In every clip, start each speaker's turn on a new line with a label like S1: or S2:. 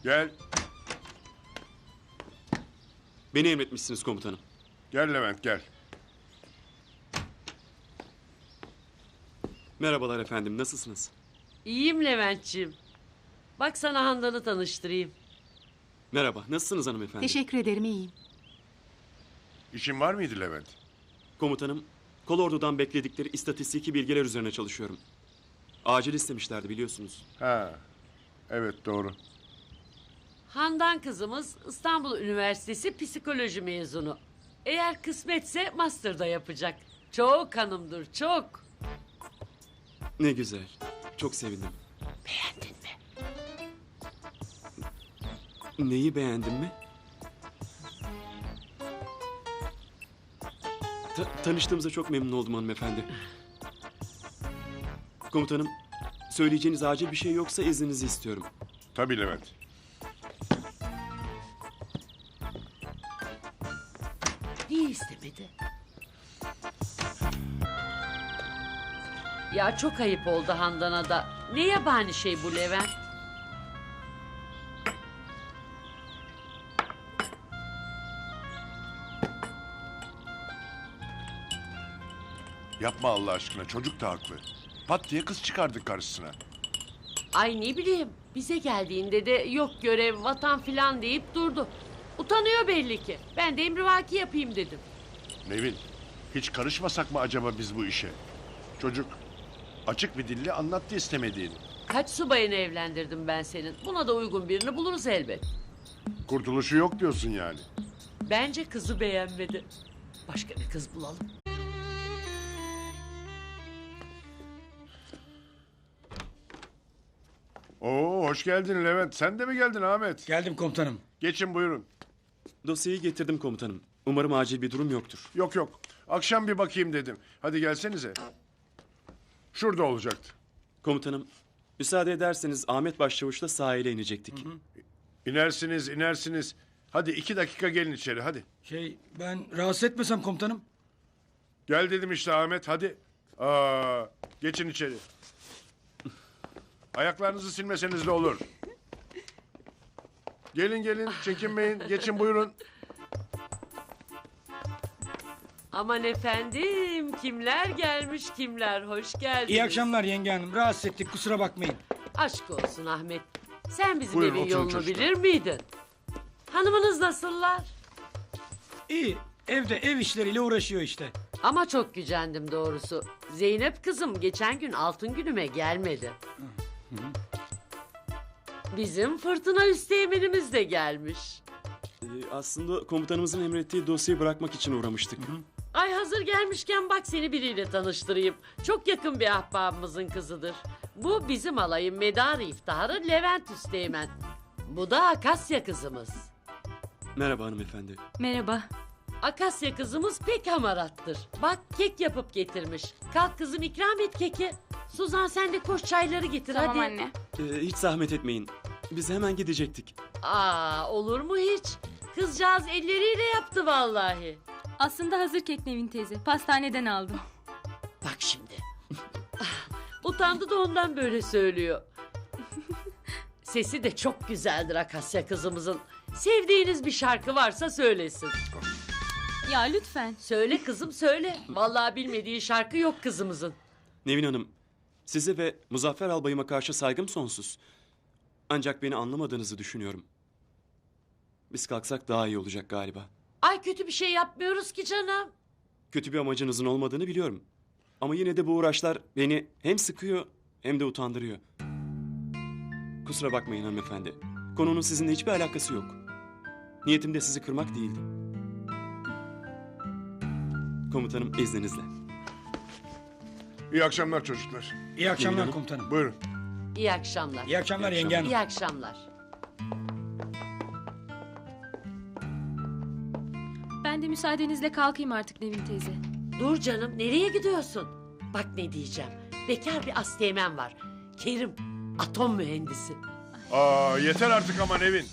S1: Gel.
S2: Beni emretmişsiniz komutanım.
S1: Gel Levent gel.
S2: Merhabalar efendim, nasılsınız?
S3: İyiyim Leventciğim. Bak sana Handan'ı tanıştırayım.
S2: Merhaba, nasılsınız hanımefendi?
S4: Teşekkür ederim, iyiyim.
S1: İşin var mıydı Levent?
S2: Komutanım, kolordudan bekledikleri istatistiki bilgiler üzerine çalışıyorum. Acil istemişlerdi biliyorsunuz.
S1: Ha. Evet doğru.
S3: Handan kızımız İstanbul Üniversitesi psikoloji mezunu. Eğer kısmetse master'da yapacak. Çok hanımdır, çok.
S2: Ne güzel, çok sevindim.
S3: Beğendin mi?
S2: Neyi beğendin mi? Tanıştığımıza çok memnun oldum hanımefendi. Komutanım, söyleyeceğiniz acil bir şey yoksa izninizi istiyorum.
S1: Tabii Levent.
S3: Niye istemedi? Ya çok ayıp oldu Handan'a da. Ne yabani şey bu Levent?
S1: Yapma Allah aşkına, çocuk da haklı. Pat diye kız çıkardık karşısına.
S3: Ay ne bileyim, bize geldiğinde de yok görev, vatan filan deyip durdu. Utanıyor belli ki. Ben de emrivaki yapayım dedim.
S1: Nevin, hiç karışmasak mı acaba biz bu işe? Çocuk açık bir dille anlattı istemediğini.
S3: Kaç subayını evlendirdim ben senin. Buna da uygun birini buluruz elbet.
S1: Kurtuluşu yok diyorsun yani.
S3: Bence kızı beğenmedi. Başka bir kız bulalım.
S1: Oo, hoş geldin Levent. Sen de mi geldin Ahmet?
S5: Geldim komutanım.
S1: Geçin buyurun.
S2: Dosyayı getirdim komutanım. Umarım acil bir durum yoktur.
S1: Yok yok. Akşam bir bakayım dedim. Hadi gelsenize. Şurada olacaktı.
S2: Komutanım, müsaade ederseniz Ahmet Başçavuş'la sahile inecektik.
S1: İnersiniz, inersiniz. Hadi 2 dakika gelin içeri, hadi.
S5: Ben rahatsız etmesem komutanım.
S1: Gel dedim işte Ahmet, hadi. Aa, geçin içeri. Ayaklarınızı silmeseniz de olur. Gelin gelin, çekinmeyin. Geçin buyurun.
S3: Aman efendim, kimler gelmiş kimler, hoş geldiniz.
S5: İyi akşamlar yenge hanım. Rahatsız ettik, kusura bakmayın.
S3: Aşk olsun Ahmet. Sen bizim
S1: Buyurun,
S3: evin
S1: oturun
S3: yolunu
S1: çocuklar.
S3: bilir miydin? Hanımınız nasıllar?
S5: İyi, evde ev işleriyle uğraşıyor işte.
S3: Ama çok gücendim doğrusu. Zeynep kızım geçen gün altın günüme gelmedi. Bizim fırtına üsteğmenimiz de gelmiş.
S2: Aslında komutanımızın emrettiği dosyayı bırakmak için uğramıştık.
S3: Ay hazır gelmişken bak seni biriyle tanıştırayım. Çok yakın bir ahbabımızın kızıdır. Bu bizim alayın medarı iftiharı Levent Üsteğmen. Bu da Akasya kızımız.
S2: Merhaba hanımefendi.
S4: Merhaba.
S3: Akasya kızımız pek hamarattır. Bak kek yapıp getirmiş. Kalk kızım ikram et keki. Suzan sen de koş çayları getir
S4: Tamam
S3: hadi.
S4: anne.
S2: Hiç zahmet etmeyin. Biz hemen gidecektik.
S3: Aa olur mu hiç? Kızcağız elleriyle yaptı vallahi.
S4: Aslında hazır kek Nevin teyze. Pastaneden aldım.
S3: Bak şimdi. Utandı da ondan böyle söylüyor. Sesi de çok güzeldir Akasya kızımızın. Sevdiğiniz bir şarkı varsa söylesin.
S4: Ya lütfen.
S3: Söyle kızım söyle. Vallahi bilmediği şarkı yok kızımızın.
S2: Nevin Hanım, size ve Muzaffer Albayıma karşı saygım sonsuz. Ancak beni anlamadığınızı düşünüyorum. Biz kalksak daha iyi olacak galiba.
S3: Ay kötü bir şey yapmıyoruz ki canım.
S2: Kötü bir amacınızın olmadığını biliyorum. Ama yine de bu uğraşlar beni hem sıkıyor hem de utandırıyor. Kusura bakmayın hanımefendi. Konunun sizinle hiçbir alakası yok. Niyetim de sizi kırmak değildi. Komutanım izninizle.
S1: İyi akşamlar çocuklar.
S5: İyi akşamlar
S2: Hanım.
S5: komutanım.
S1: Buyurun.
S3: İyi akşamlar.
S5: İyi akşamlar
S1: İyi
S5: yenge hanım.
S3: İyi akşamlar.
S4: Ben de müsaadenizle kalkayım artık Nevin teyze.
S3: Dur canım nereye gidiyorsun? Bak ne diyeceğim. Bekar bir asteğmen var. Kerim atom mühendisi.
S1: Aa, yeter artık ama Nevin.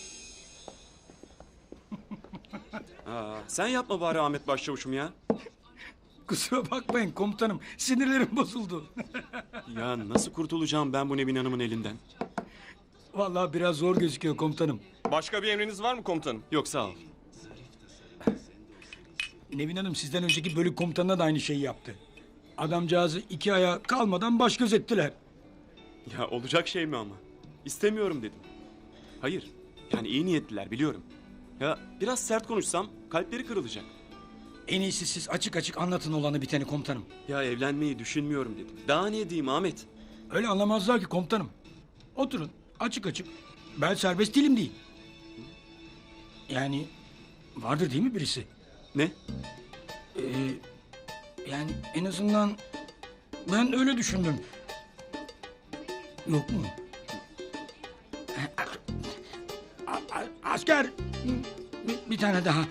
S2: Sen yapma bari Ahmet Başçavuş'um ya.
S5: Kusura bakmayın komutanım. Sinirlerim bozuldu.
S2: Ya nasıl kurtulacağım ben bu Nevin Hanım'ın elinden?
S5: Vallahi biraz zor gözüküyor komutanım.
S6: Başka bir emriniz var mı komutanım?
S2: Yok sağ ol.
S5: Nevin Hanım sizden önceki bölük komutanına da aynı şeyi yaptı. Adamcağızı 2 aya kalmadan baş göz ettiler.
S2: Ya olacak şey mi ama? İstemiyorum dedim. Hayır. Yani iyi niyetliler biliyorum. Ya biraz sert konuşsam kalpleri kırılacak.
S5: En iyisi siz açık açık anlatın olanı biteni komutanım.
S2: Ya evlenmeyi düşünmüyorum dedim. Daha ne diyeyim Ahmet?
S5: Öyle anlamazlar ki komutanım. Oturun açık açık. Ben serbest değilim değil. Yani vardır değil mi birisi?
S2: Ne?
S5: Yani en azından ben öyle düşündüm. Yok mu? Asker! Bir tane daha.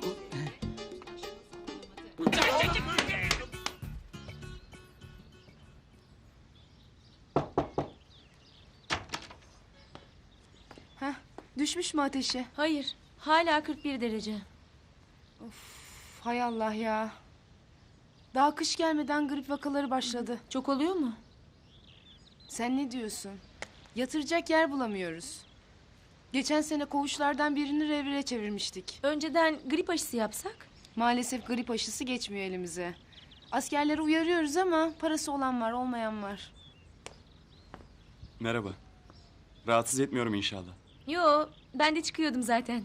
S7: Düşmüş mü ateşi?
S4: Hayır. Hala 41 derece.
S7: Hay Allah ya. Daha kış gelmeden grip vakaları başladı.
S4: Çok oluyor mu?
S7: Sen ne diyorsun? Yatıracak yer bulamıyoruz. Geçen sene koğuşlardan birini revire çevirmiştik.
S4: Önceden grip aşısı yapsak?
S7: Maalesef grip aşısı geçmiyor elimize. Askerleri uyarıyoruz ama parası olan var, olmayan var.
S2: Merhaba. Rahatsız etmiyorum inşallah.
S4: Yo, ben de çıkıyordum zaten.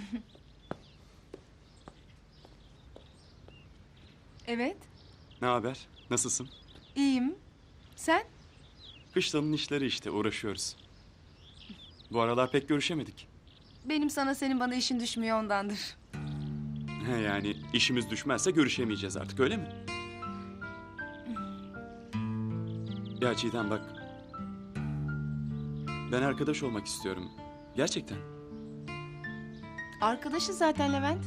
S7: Evet,
S2: Ne haber? Nasılsın?
S7: iyiyim. Sen?
S2: Kışlanın işleri işte uğraşıyoruz. Bu aralar pek görüşemedik.
S7: Benim sana senin bana işin düşmüyor ondandır.
S2: He yani işimiz düşmezse görüşemeyeceğiz artık öyle mi? Ya Çiğdem bak. Ben arkadaş olmak istiyorum. Gerçekten.
S7: Arkadaşı zaten Levent.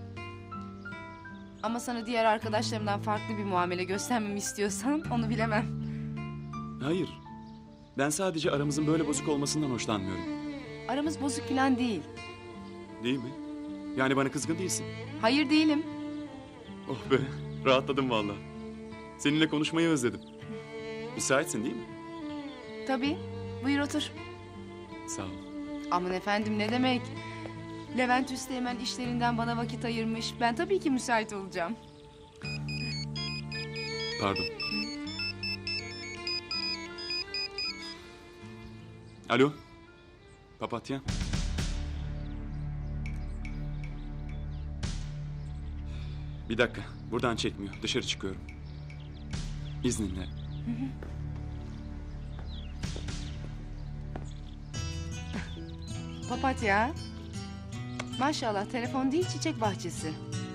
S7: Ama sana diğer arkadaşlarımdan farklı bir muamele göstermemi istiyorsan onu bilemem.
S2: Hayır. Ben sadece aramızın böyle bozuk olmasından hoşlanmıyorum.
S7: Aramız bozuk falan değil.
S2: Değil mi? Yani bana kızgın değilsin.
S7: Hayır değilim.
S2: Oh be, rahatladım vallahi. Seninle konuşmayı özledim. Müsaitsin değil mi?
S7: Tabii. Buyur otur.
S2: Sağ ol.
S7: Aman efendim ne demek? Levent Üsteğmen işlerinden bana vakit ayırmış. Ben tabii ki müsait olacağım.
S2: Pardon. Alo. Papatya. Bir dakika. Buradan çekmiyor. Dışarı çıkıyorum. İzninle.
S7: Papatya. Maşallah telefon değil çiçek bahçesi.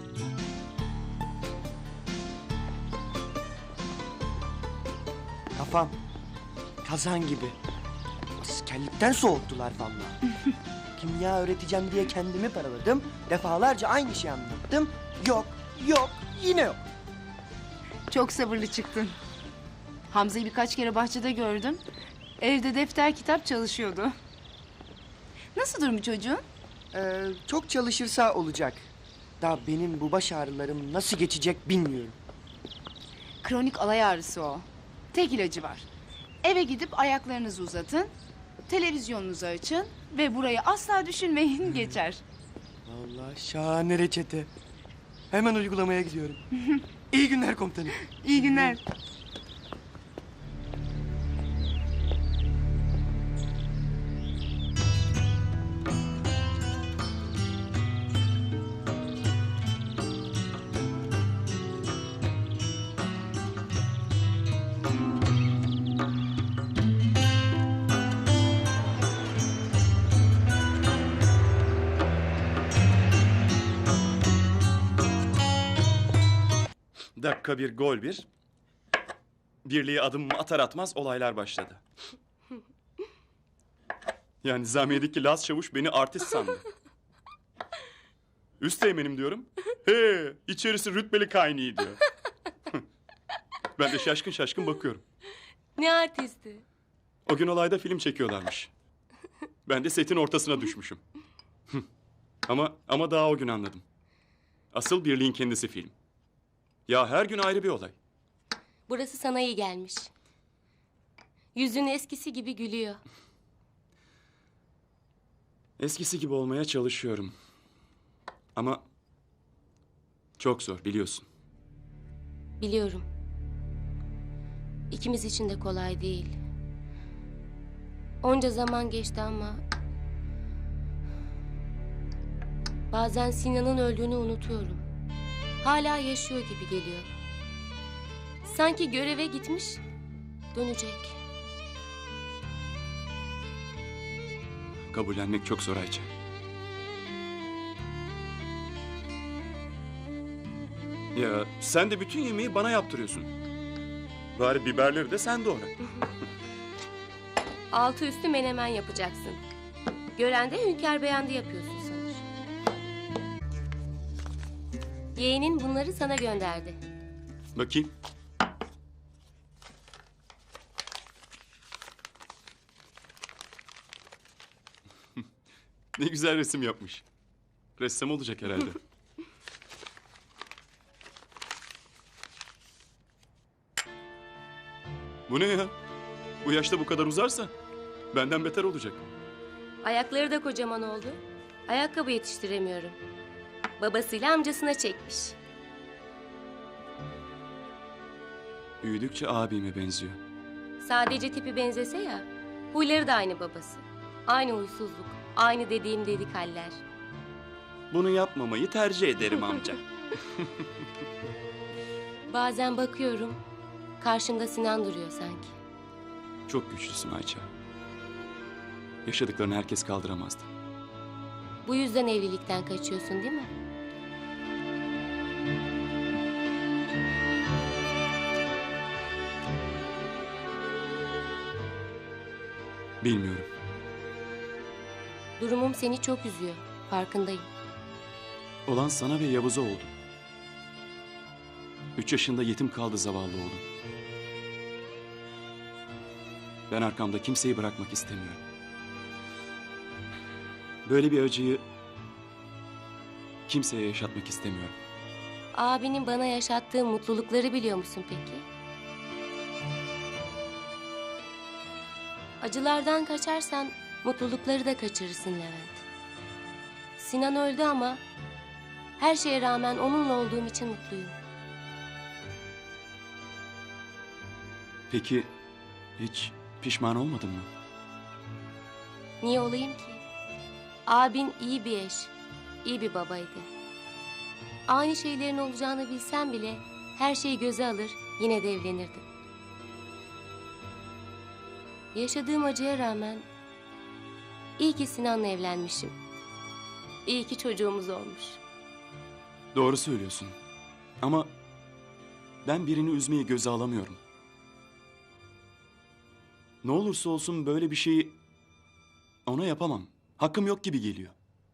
S8: Kafam kazan gibi. Askerlikten soğuttular vallahi. Kimya öğreteceğim diye kendimi paraladım. Defalarca aynı şeyi anlattım. Yok, yok, yine yok.
S7: Çok sabırlı çıktın. Hamza'yı birkaç kere bahçede gördüm. Evde defter kitap çalışıyordu. Nasıl durumu çocuğun?
S8: Çok çalışırsa olacak. Daha benim bu baş ağrılarım nasıl geçecek bilmiyorum.
S7: Kronik alay ağrısı o. Tek ilacı var. Eve gidip ayaklarınızı uzatın. Televizyonunuzu açın. Ve burayı asla düşünmeyin geçer.
S8: Vallahi şahane reçete. Hemen uygulamaya gidiyorum. İyi günler komutanım.
S7: İyi günler.
S2: Dakika bir, gol bir. Birliğe adım atar atmaz olaylar başladı. Yani Nizamiye'deki Laz Çavuş beni artist sandı. Üsteğmenim diyorum. He, içerisi rütbeli kaynıyor diyor. Ben de şaşkın şaşkın bakıyorum.
S9: Ne artisti?
S2: O gün olayda film çekiyorlarmış. Ben de setin ortasına düşmüşüm. ama daha o gün anladım. Asıl birliğin kendisi film. Ya her gün ayrı bir olay.
S9: Burası sana iyi gelmiş. Yüzün eskisi gibi gülüyor.
S2: Eskisi gibi olmaya çalışıyorum. Ama çok zor biliyorsun.
S9: Biliyorum. İkimiz için de kolay değil. Onca zaman geçti ama... Bazen Sinan'ın öldüğünü unutuyorum. Hala yaşıyor gibi geliyor. Sanki göreve gitmiş, dönecek.
S2: Kabullenmek çok zor Ayça. Ya sen de bütün yemeği bana yaptırıyorsun. Bari biberleri de sen doğra.
S9: Altı üstü menemen yapacaksın. Gören de Hünkar beğendi yapıyorsun sanır. Yeğenin bunları sana gönderdi.
S2: Bakayım. Ne güzel resim yapmış. Ressam olacak herhalde. Bu ne ya? Bu yaşta bu kadar uzarsa benden beter olacak.
S9: Ayakları da kocaman oldu. Ayakkabı yetiştiremiyorum. Babasıyla amcasına çekmiş.
S2: Büyüdükçe abime benziyor.
S9: Sadece tipi benzese ya, huyları da aynı babası. Aynı huysuzluk, aynı dediğim dedik haller.
S2: Bunu yapmamayı tercih ederim amca.
S9: Bazen bakıyorum, karşımda Sinan duruyor sanki.
S2: Çok güçlüsün Ayça. Yaşadıklarını herkes kaldıramazdı.
S9: Bu yüzden evlilikten kaçıyorsun değil mi?
S2: Bilmiyorum.
S9: Durumum seni çok üzüyor, farkındayım.
S2: Olan sana ve Yavuz'a oldu. 3 yaşında yetim kaldı zavallı oğlum. Ben arkamda kimseyi bırakmak istemiyorum. Böyle bir acıyı kimseye yaşatmak istemiyorum.
S9: Abinin bana yaşattığı mutlulukları biliyor musun peki? Acılardan kaçarsan mutlulukları da kaçırırsın Levent. Sinan öldü ama her şeye rağmen onunla olduğum için mutluyum.
S2: Peki hiç pişman olmadın mı?
S9: Niye olayım ki? Abin iyi bir eş, iyi bir babaydı. Aynı şeylerin olacağını bilsem bile her şeyi göze alır, yine de evlenirdim. Yaşadığım acıya rağmen iyi ki Sinan'la evlenmişim. İyi ki çocuğumuz olmuş.
S2: Doğru söylüyorsun. Ama ben birini üzmeyi göze alamıyorum. Ne olursa olsun böyle bir şeyi ona yapamam. Hakkım yok gibi geliyor.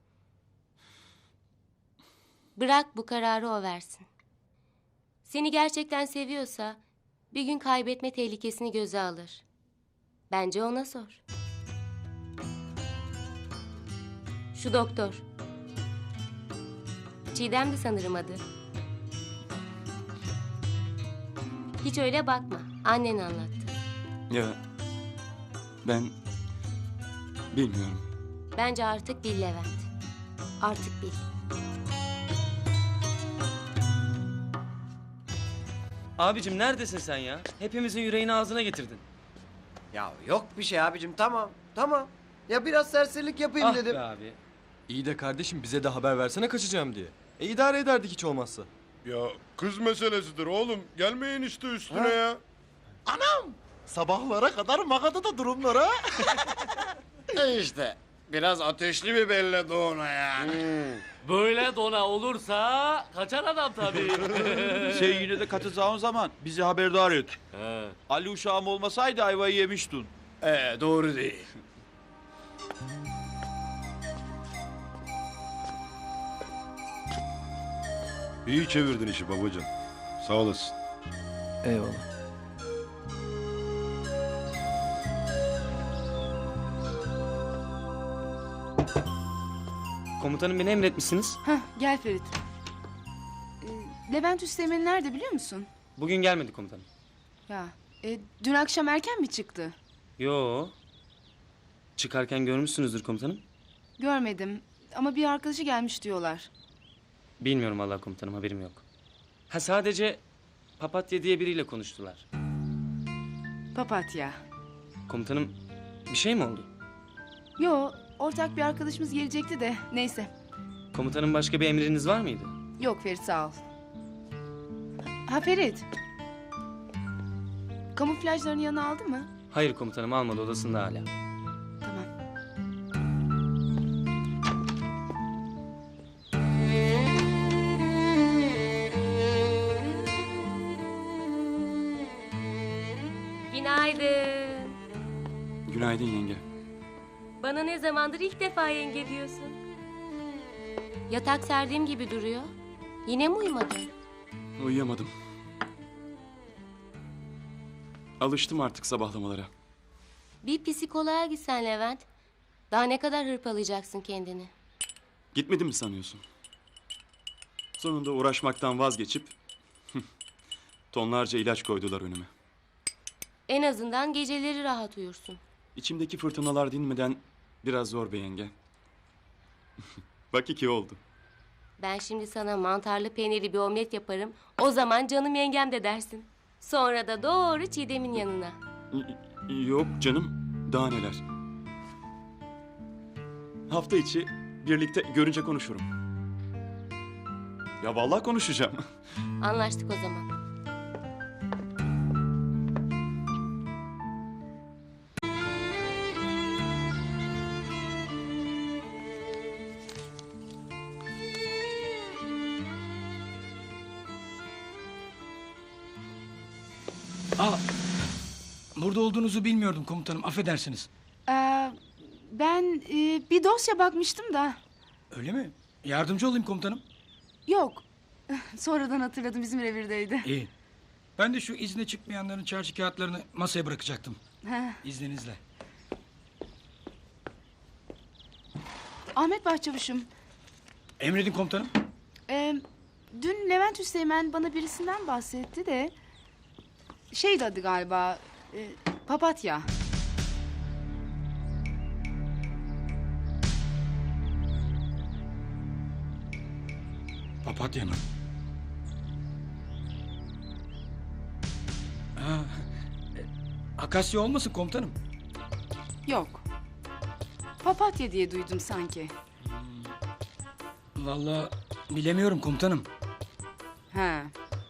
S9: Bırak bu kararı o versin. Seni gerçekten seviyorsa bir gün kaybetme tehlikesini göze alır. Bence ona sor. Şu doktor. Çiğdem'di sanırım adı. Hiç öyle bakma. Annen anlattı.
S2: Ya ben bilmiyorum.
S9: Bence artık bil Levent. Artık bil.
S10: Abicim neredesin sen ya? Hepimizin yüreğini ağzına getirdin.
S8: Ya yok bir şey abicim, tamam tamam. Ya biraz serserilik yapayım
S10: Ah
S8: dedim.
S10: be abi.
S6: İyi de kardeşim bize de haber versene kaçacağım diye. İdare ederdik hiç olmazsa.
S1: Ya kız meselesidir oğlum. Gelmeyin işte üstüne ya.
S11: Sabahlara kadar Magada'da durumlara.
S1: İşte biraz ateşli bir belli Doğuna ya.
S10: Böyle dona olursa kaçar adam tabii.
S11: Sen yine de katılacağın zaman bizi haberdar et. Ali uşağım olmasaydı ayvayı yemiştin.
S1: Doğru değil. İyi çevirdin işi babacığım. Sağ olasın.
S6: Eyvallah. Komutanım beni emretmişsiniz.
S7: Heh, gel Ferit. Levent Üsteğmen nerede biliyor musun?
S10: Bugün gelmedi komutanım.
S7: Ya dün akşam erken mi çıktı?
S10: Yo. Çıkarken görmüşsünüzdür komutanım.
S7: Görmedim ama bir arkadaşı gelmiş diyorlar.
S12: Bilmiyorum vallahi komutanım, haberim yok. Ha, sadece Papatya diye biriyle konuştular.
S7: Papatya.
S12: Komutanım, bir şey mi oldu?
S7: Yo, ortak bir arkadaşımız gelecekti de neyse.
S12: Komutanım, başka bir emriniz var mıydı?
S7: Yok Ferit, sağ ol. Ha Ferit. Kamuflajlarını yanına aldı mı?
S12: Hayır komutanım, almadı, odasında hala.
S7: Tamam.
S9: Günaydın.
S2: Günaydın yenge.
S9: Bana ne zamandır ilk defa yenge diyorsun. Yatak serdiğim gibi duruyor. Yine mi uyumadın?
S2: Uyuyamadım. Alıştım artık sabahlamalara.
S9: Bir psikoloğa gitsen Levent. Daha ne kadar hırpalayacaksın kendini?
S2: Gitmedim mi sanıyorsun? Sonunda uğraşmaktan vazgeçip tonlarca ilaç koydular önüme.
S9: En azından geceleri rahat uyursun.
S2: İçimdeki fırtınalar dinmeden biraz zor be yenge. Bak 2 oldu.
S9: Ben şimdi sana mantarlı peynirli bir omlet yaparım. O zaman canım yengem de dersin. Sonra da doğru Çiğdem'in yanına.
S2: Yok canım, daha neler. Hafta içi birlikte görünce konuşurum. Ya vallahi konuşacağım.
S9: Anlaştık o zaman.
S5: Aa, burada olduğunuzu bilmiyordum komutanım. Affedersiniz.
S7: Ben bir dosya bakmıştım da.
S5: Öyle mi? Yardımcı olayım komutanım.
S7: Yok. Sonradan hatırladım, bizim revirdeydi.
S5: İyi. Ben de şu izne çıkmayanların çarşı kağıtlarını masaya bırakacaktım.
S7: Heh.
S5: İzninizle.
S7: Ahmet Başçavuş'um.
S5: Emredin komutanım.
S7: Dün Levent Üsteğmen bana birisinden bahsetti de... Şeydi adı galiba... Papatya.
S5: Papatya mı? Ha, Akasya olmasın komutanım?
S7: Yok. Papatya diye duydum sanki.
S5: Vallahi bilemiyorum komutanım.
S7: Ha.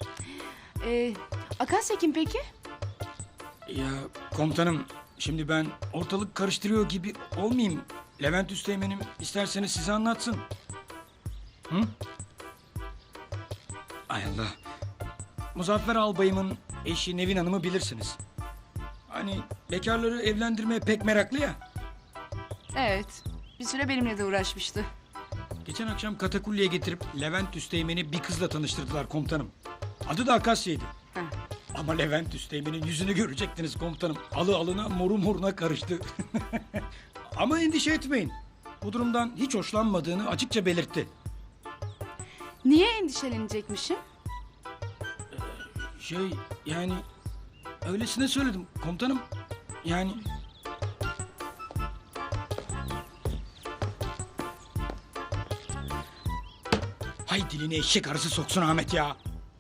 S7: Akasya kim peki?
S5: Ya komutanım, şimdi ben ortalık karıştırıyor gibi olmayayım. Levent Üsteğmen'im isterseniz size anlatsın. Hı? Ay Allah. Muzaffer Albayım'ın eşi Nevin Hanım'ı bilirsiniz. Hani bekarları evlendirmeye pek meraklı ya.
S7: Evet. Bir süre benimle de uğraşmıştı.
S5: Geçen akşam katakulliye getirip Levent Üsteğmen'i bir kızla tanıştırdılar komutanım. Adı da Akasya'ydı.
S7: Heh.
S5: Ama Levent Üsteğmen'in yüzünü görecektiniz komutanım. Alı alına moru moruna karıştı. Ama endişe etmeyin. Bu durumdan hiç hoşlanmadığını açıkça belirtti.
S7: Niye endişelenecekmişim?
S5: Yani öylesine söyledim komutanım. Yani hay dilini eşek arısı soksun Ahmet ya.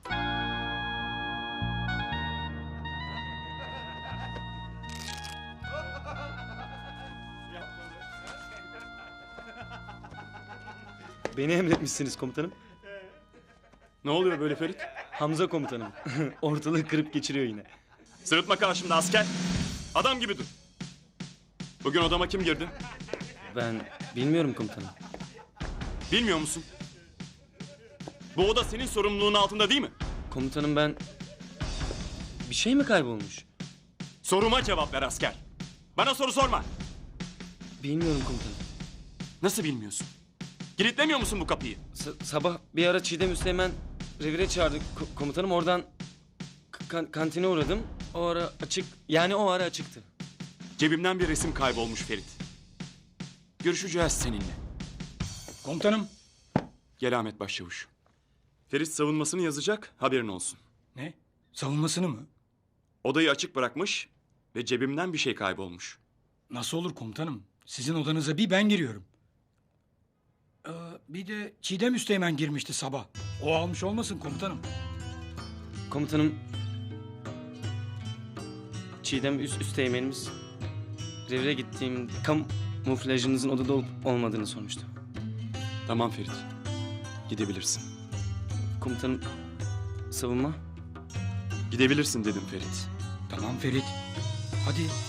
S12: Beni emretmişsiniz komutanım.
S2: Ne oluyor böyle Ferit?
S12: Hamza komutanım. Ortalığı kırıp geçiriyor yine.
S2: Sırıtma karşımda asker. Adam gibi dur. Bugün odama kim girdi?
S12: Ben bilmiyorum komutanım.
S2: Bilmiyor musun? Bu oda senin sorumluluğun altında değil mi?
S12: Komutanım, ben... Bir şey mi kaybolmuş?
S2: Soruma cevap ver asker. Bana soru sorma.
S12: Bilmiyorum komutanım.
S2: Nasıl bilmiyorsun? Kilitlemiyor musun bu kapıyı?
S12: Sabah bir ara Çiğdem Üsteğmen revire çağırdı komutanım. Oradan kantine uğradım. O ara açık, yani o ara açıktı.
S2: Cebimden bir resim kaybolmuş Ferit. Görüşeceğiz seninle.
S5: Komutanım.
S2: Gel Ahmet Başçavuş. Ferit savunmasını yazacak, haberin olsun.
S5: Ne? Savunmasını mı?
S2: Odayı açık bırakmış ve cebimden bir şey kaybolmuş.
S5: Nasıl olur komutanım? Sizin odanıza bir ben giriyorum. Bir de Çiğdem Üsteğmen girmişti sabah. O almış olmasın komutanım.
S12: Komutanım... Çiğdem Üsteğmenimiz... Revire gittiğim kamuflajınızın odada olup olmadığını sormuştu.
S2: Tamam Ferit. Gidebilirsin.
S12: Komutanım... Savunma?
S2: Gidebilirsin dedim Ferit.
S5: Tamam Ferit. Hadi